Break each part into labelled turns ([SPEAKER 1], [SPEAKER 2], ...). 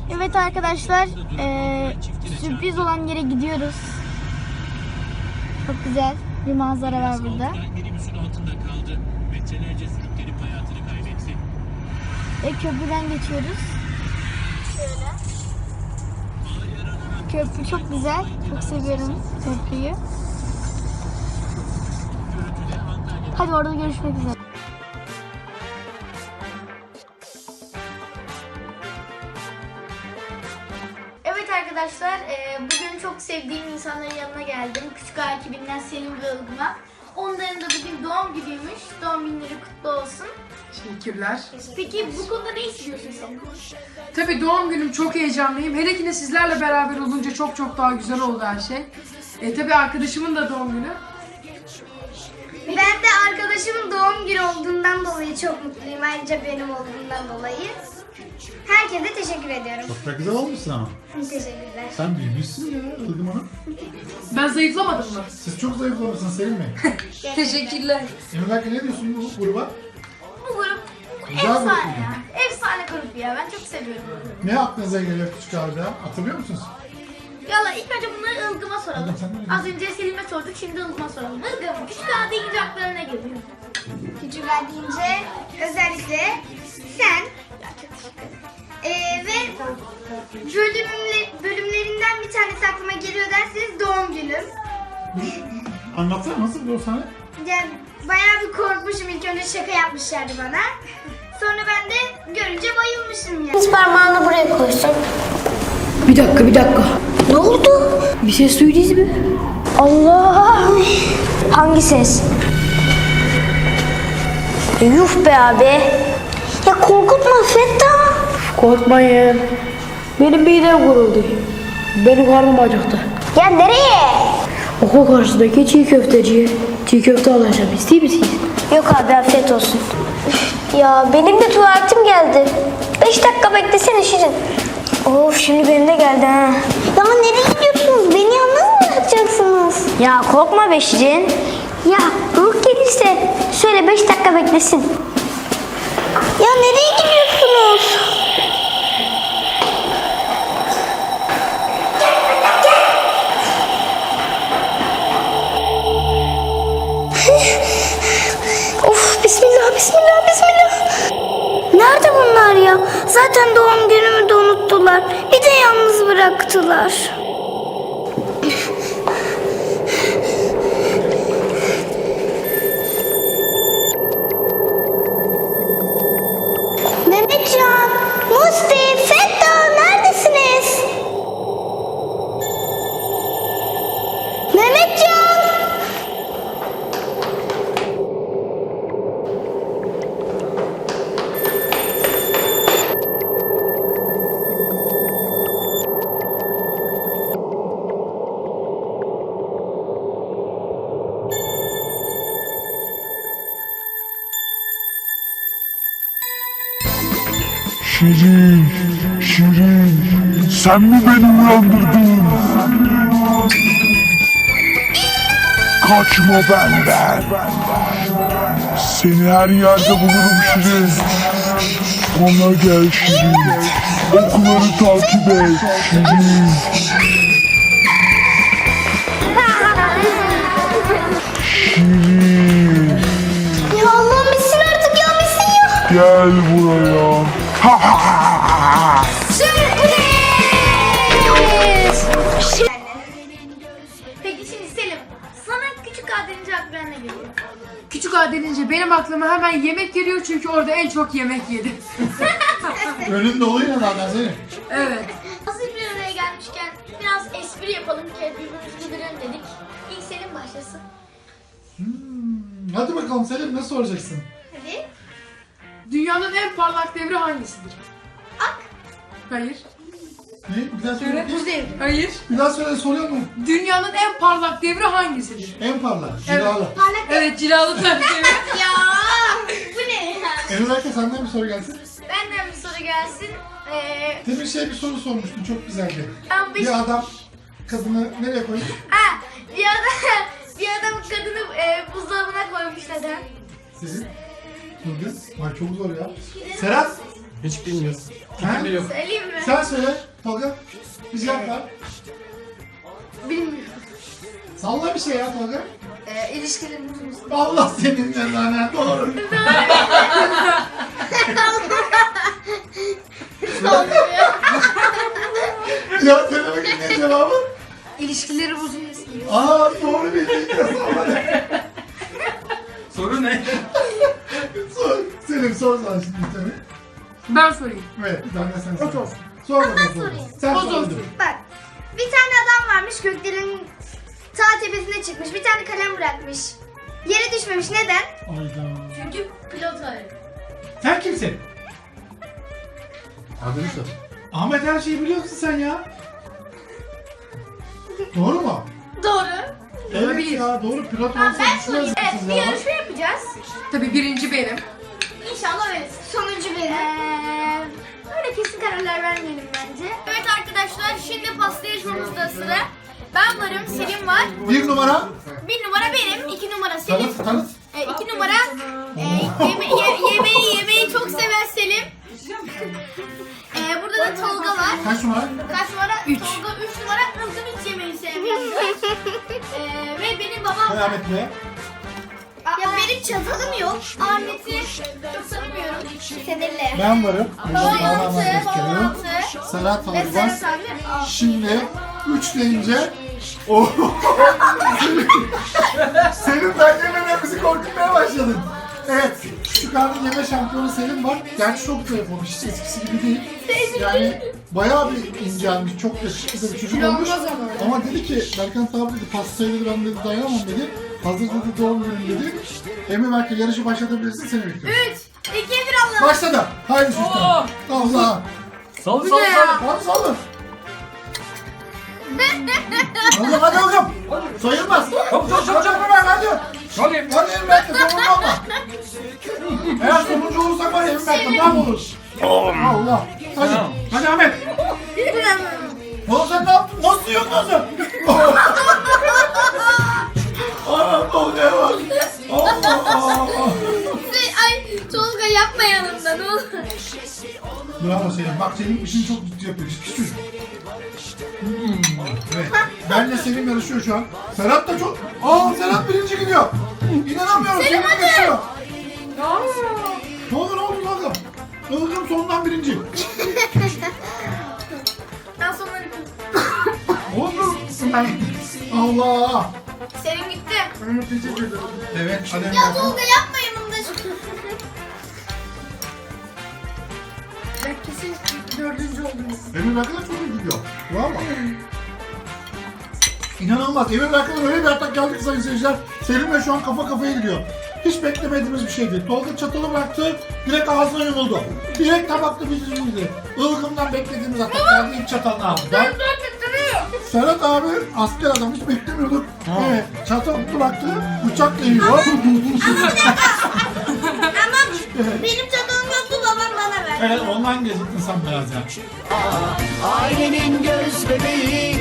[SPEAKER 1] Evet arkadaşlar, sürpriz olan yere gidiyoruz. Çok güzel bir manzara var burada. Ve köprüden geçiyoruz. Şöyle. Köprü çok güzel. Çok seviyorum köprüyü. Hadi orada görüşmek üzere. Evet arkadaşlar, bugün çok sevdiğim insanların yanına geldim. Küçük Ağa ekibinden Selim ve Ilgın'a. Onların da bugün doğum günüymüş. Doğum günleri kutlu olsun.
[SPEAKER 2] Teşekkürler.
[SPEAKER 1] Peki bu konuda ne istiyorsun sen?
[SPEAKER 2] Tabii doğum günüm, çok heyecanlıyım. Hele ki de sizlerle beraber olunca çok daha güzel oldu her şey. Tabii arkadaşımın da doğum günü.
[SPEAKER 1] Ben de arkadaşımın doğum günü olduğundan dolayı çok mutluyum. Ayrıca benim olduğundan dolayı. Herkese teşekkür ediyorum.
[SPEAKER 3] Çok da güzel olmuşsun ama.
[SPEAKER 1] Teşekkürler.
[SPEAKER 3] Sen büyümüşsün ya Ilgım Hanım.
[SPEAKER 2] Ben zayıflamadım mı?
[SPEAKER 3] Siz çok zayıflamışsınız Selim Bey.
[SPEAKER 2] Teşekkürler.
[SPEAKER 3] Emre Berke ne diyorsun bu gruba?
[SPEAKER 1] Bu grup
[SPEAKER 3] Güzel
[SPEAKER 1] efsane
[SPEAKER 3] grup.
[SPEAKER 1] ya. Efsane grup ya. Ben çok seviyorum.
[SPEAKER 3] Ne aklınıza geliyor küçük ağda? Hatırlıyor musunuz?
[SPEAKER 1] Yalla ilk önce bunları Ilgım'a soralım.
[SPEAKER 3] Ilgım, sen ne
[SPEAKER 1] Az önce Selim'e sorduk, şimdi Ilgım'a soralım. Ilgım, Küçük Ağa deyince aklına ne geliyor? Küçük Ağa deyince özellikle sen ve bölümlerinden bir tanesi aklıma geliyor derseniz doğum günüm.
[SPEAKER 3] Anlatsana nasıl o sahne?
[SPEAKER 1] Yani bayağı bir korkmuşum, ilk önce şaka yapmışlardı bana. Sonra ben de görünce bayılmışım ya.
[SPEAKER 4] Biz parmağını buraya koysun.
[SPEAKER 5] Bir dakika.
[SPEAKER 4] Ne oldu?
[SPEAKER 5] Bir ses duydunuz mu?
[SPEAKER 4] Allah! Hangi ses? Yuh be abi. Ya korkutma Fettah.
[SPEAKER 5] Korkmayın. Benim midem kuruldu. Benim karnım acıktı.
[SPEAKER 4] Ya nereye?
[SPEAKER 5] Okul karşısındaki çiğ köfteciye çiğ köfte alacağım. İster misiniz?
[SPEAKER 4] Yok abi afiyet olsun. Üf, ya benim de tuvaletim geldi. 5 dakika beklesene Şirin. Of şimdi benim de geldi ha. Ya nereye gidiyorsunuz? Beni yalnız mı bırakacaksınız? Ya korkma be Şirin. Ya Ruh gelirse söyle 5 dakika beklesin. Ya nereye gidiyorsunuz? Of bismillah. Nerede bunlar ya? Zaten doğum günümü de unuttular. Bir de yalnız bıraktılar. Mehmetcan, Musti, Fettah neredesiniz? Mehmetcan!
[SPEAKER 6] Şirin, sen mi beni uyandırdın? Kaçma benden. Seni her yerde bulurum Şirin. Bana gel Şirin. Okları takip et Şirin. Şirin,
[SPEAKER 4] Ya Allah'ım bitsin artık ya bitsin ya.
[SPEAKER 6] gel buraya. Ha ha ha.
[SPEAKER 1] Peki şimdi Selim, sana Küçük Ağa deyince aklına ne geliyor?
[SPEAKER 2] Küçük Ağa denince benim aklıma hemen yemek geliyor çünkü orada en çok yemek yedim.
[SPEAKER 3] Önün doluyla zaten Selim.
[SPEAKER 2] Evet.
[SPEAKER 1] Hazır bir araya gelmişken biraz espri yapalım ki birbirimizi güldürelim dedik. İlk Selim başlasın.
[SPEAKER 3] Hadi bakalım Selim ne soracaksın?
[SPEAKER 1] Hadi.
[SPEAKER 2] Dünyanın en parlak devri hangisidir?
[SPEAKER 1] Ak.
[SPEAKER 2] Hayır.
[SPEAKER 3] Ne? Bir daha
[SPEAKER 2] Söyle.
[SPEAKER 3] söyle.
[SPEAKER 2] Hayır.
[SPEAKER 3] Bir daha söyle soruyor mu?
[SPEAKER 2] Dünyanın en parlak devri hangisidir?
[SPEAKER 3] En parlak.
[SPEAKER 2] Evet.
[SPEAKER 3] Cilalı.
[SPEAKER 2] Evet, cilalı tabii.
[SPEAKER 1] Ya bu ne ya?
[SPEAKER 3] Emre Berke senden bir soru gelsin.
[SPEAKER 1] Benden bir soru gelsin.
[SPEAKER 3] Demin bir soru sormuştun çok güzeldi.
[SPEAKER 1] Ama
[SPEAKER 3] Bir adam kadını nereye koymuş?
[SPEAKER 1] bir adam kadını buzdolabına koymuş neden?
[SPEAKER 3] Selim. Nurgül. Ay çok zor ya. Serhat.
[SPEAKER 7] Hiç bilmiyorum.
[SPEAKER 3] Ha?
[SPEAKER 7] Fikrim yok.
[SPEAKER 1] Söyleyeyim mi?
[SPEAKER 3] Sen söyle Tolga. Biz cevap ver.
[SPEAKER 1] Bilmiyorum.
[SPEAKER 3] Salla bir şey ya Tolga.
[SPEAKER 1] İlişkilerin uzun.
[SPEAKER 3] Allah senin cezanı. Doğru. Ya söyle bakayım ne cevabı?
[SPEAKER 1] İlişkileri uzun.
[SPEAKER 3] Aa doğru bildin.
[SPEAKER 7] Soru ne?
[SPEAKER 3] Sor. Selim sor sana şimdi bir tane.
[SPEAKER 2] Ben sorayım.
[SPEAKER 3] Evet bir tane sen sor.
[SPEAKER 2] Ot olsun.
[SPEAKER 3] Sor bakalım.
[SPEAKER 1] Ben
[SPEAKER 3] Tolga.
[SPEAKER 1] sorayım.
[SPEAKER 3] Sen
[SPEAKER 2] Ot
[SPEAKER 3] sor.
[SPEAKER 2] olsun.
[SPEAKER 1] Bak. Bir tane adam varmış göklerin ta tepesine çıkmış. Bir tane kalem bırakmış. Yere düşmemiş. Neden?
[SPEAKER 3] Ayda.
[SPEAKER 1] Çünkü pilot öyle.
[SPEAKER 3] Sen kimsin? Adını sor. Ahmet her şeyi biliyorsun sen ya. Doğru mu?
[SPEAKER 1] Doğru.
[SPEAKER 3] Evet ya doğru pilot
[SPEAKER 1] Tamam
[SPEAKER 3] olsa
[SPEAKER 1] ben
[SPEAKER 3] hiç
[SPEAKER 1] sorayım. Evet
[SPEAKER 3] lezzetsiz
[SPEAKER 1] bir
[SPEAKER 3] ya.
[SPEAKER 1] yarışma yapacağız.
[SPEAKER 2] Tabii birinci benim.
[SPEAKER 1] İnşallah öyle. Sonuncu benim. Öyle kesin kararlar vermeyelim bence. Evet arkadaşlar şimdi pasta yarışmamızda sıra. Ben varım, Selim var.
[SPEAKER 3] Bir numara.
[SPEAKER 1] Bir numara benim, iki numara Selim.
[SPEAKER 3] Tanıt.
[SPEAKER 1] İki numara yemeği çok seven Selim. Burada da Tolga var.
[SPEAKER 3] Kaç numara?
[SPEAKER 1] Kaç numara? Tolga 3 numara. Kızım hiç yemeği sevmiyor. Ve benim babam
[SPEAKER 3] Koy
[SPEAKER 1] var.
[SPEAKER 3] Ahmet Bey'e.
[SPEAKER 1] Ya benim çatalım yok. Ahmet'i çok tanımıyorum. Kederle.
[SPEAKER 3] Ben varım.
[SPEAKER 1] Babam
[SPEAKER 3] Babam
[SPEAKER 1] 6,
[SPEAKER 3] gözüküyor.
[SPEAKER 1] babam 6.
[SPEAKER 3] Serhat
[SPEAKER 1] Ve
[SPEAKER 3] abi var.
[SPEAKER 1] Serhat abi 6.
[SPEAKER 3] Şimdi 3 deyince Selim ben yemeden bizi korkutmaya başladın. Evet, küçük hanım yeme şampiyonu Selim var. Gerçi çok zayıf olmuş, hiç eskisi gibi değil. Yani bayağı bir incelmiş, çok yakışıklı da bir çocuk olmuş. Ama dedi ki, Berkant abi dedi, pastayı dedi, ben dedi dayanamam dedi. Hazır dedi, doğum günüm dedi. Emre belki yarışı başlatabilirsin, seni bekliyorum.
[SPEAKER 1] 3, 2, 1 Allah.
[SPEAKER 3] Başladı. Haydi Sultan. Allah.
[SPEAKER 7] Sallı
[SPEAKER 2] Bu ne ya?
[SPEAKER 3] Hadi sallın. Oğlum hadi oğlum. Sayılmaz.
[SPEAKER 7] Çabuk.
[SPEAKER 3] Hadi.
[SPEAKER 7] Hadi.
[SPEAKER 3] Hadi Emre sonuncu olma. Eğer sonuncu olursak var ya Emre ne olur? Allah. Hadi.
[SPEAKER 7] Tamam.
[SPEAKER 3] Hadi Ahmet. Oğlum sen ne yaptın? Nasıl yiyorsun nasıl? Anam Tolga'ya bak. Allah.
[SPEAKER 1] Ay Tolga yapma yanımda ne olur.
[SPEAKER 3] Bravo Selim. Bak Selim işini çok ciddi yapıyor. Ciddi çocuk. Evet. Benle Selim yarışıyor şu an. Serhat da çok... Serhat birinci gidiyor. İnanamıyorum. Selim geçiyor. Ne oldu Tolga? Tolga'm sondan birinci.
[SPEAKER 1] Ben sonları
[SPEAKER 3] Oğlum. Allah.
[SPEAKER 1] Selim gitti.
[SPEAKER 3] Evet. Hadi
[SPEAKER 1] Ya
[SPEAKER 3] Emre.
[SPEAKER 1] Tolga yapma yanımda.
[SPEAKER 2] Ben kesin dördüncü oldum.
[SPEAKER 3] Emre Berkan'a çok iyi gidiyor. Bravo. İnanılmaz. Emre Berkan'a öyle bir atak geldi ki sayın seyirciler. Selim'le şu an kafa kafaya gidiyor. Hiç beklemediğimiz bir şeydi. Tolga çatalı bıraktı, direkt ağzına yumuldu. Direkt tabakta bitirdi. Ilgımdan beklediğimiz atak geldi, ilk çatalını aldı. Serhat abi asker adam, hiç beklemiyorduk. Evet, çatal bıraktı, bıçakla yiyor.
[SPEAKER 1] Ama benim çatalım yoktu babam bana verdi.
[SPEAKER 3] Evet, ondan geciktin sen biraz ya.
[SPEAKER 8] Ailenin göz bebeği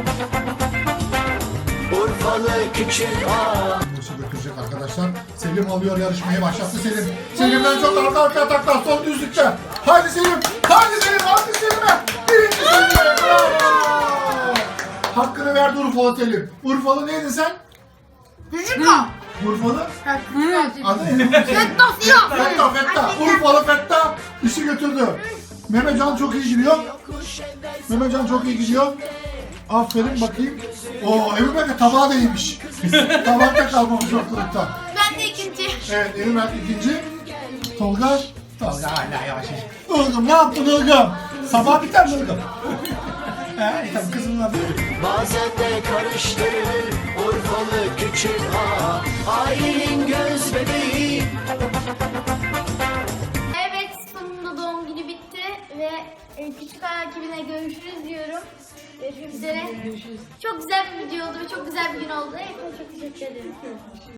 [SPEAKER 8] Urfalı küçük ağa
[SPEAKER 3] Bursa götürecek arkadaşlar. Selim alıyor yarışmayı, başlattı Selim. Selim'den çok arka ataklar, son düzlükte. Haydi Selim, haydi Selim, haydi Selim'e. Birinci Selim'e, bravo. Hakkını verdi Urfalı Selim. Urfalı neydin sen?
[SPEAKER 1] Çocukla.
[SPEAKER 3] Urfalı?
[SPEAKER 2] Küçük
[SPEAKER 3] Adı ne? Fetta. Urfalı Fetta işi götürdü. Mehmetcan çok iyi gidiyor. Mehmetcan çok iyi gidiyor. Aferin bakayım. Emin Berk tabağı da iyiymiş. Tabakta kalmamış ortalıkta.
[SPEAKER 1] Ben de ikinci.
[SPEAKER 3] Evet Emin Berk ikinci. Tolga hala yavaş. Ilgım ne yaptın Ilgım? Sabah biter mi Ilgım? Tabii kızımın adı.
[SPEAKER 8] Bazen de karıştırılır Urfalı küçük ağa Ailenin göz bebeği
[SPEAKER 1] Evet sonunda doğum günü bitti ve küçük ayak ekibine görüşürüz diyorum. Görüşmek üzere. Çok güzel bir video oldu ve çok güzel bir gün oldu. Hepinize çok teşekkür ederim.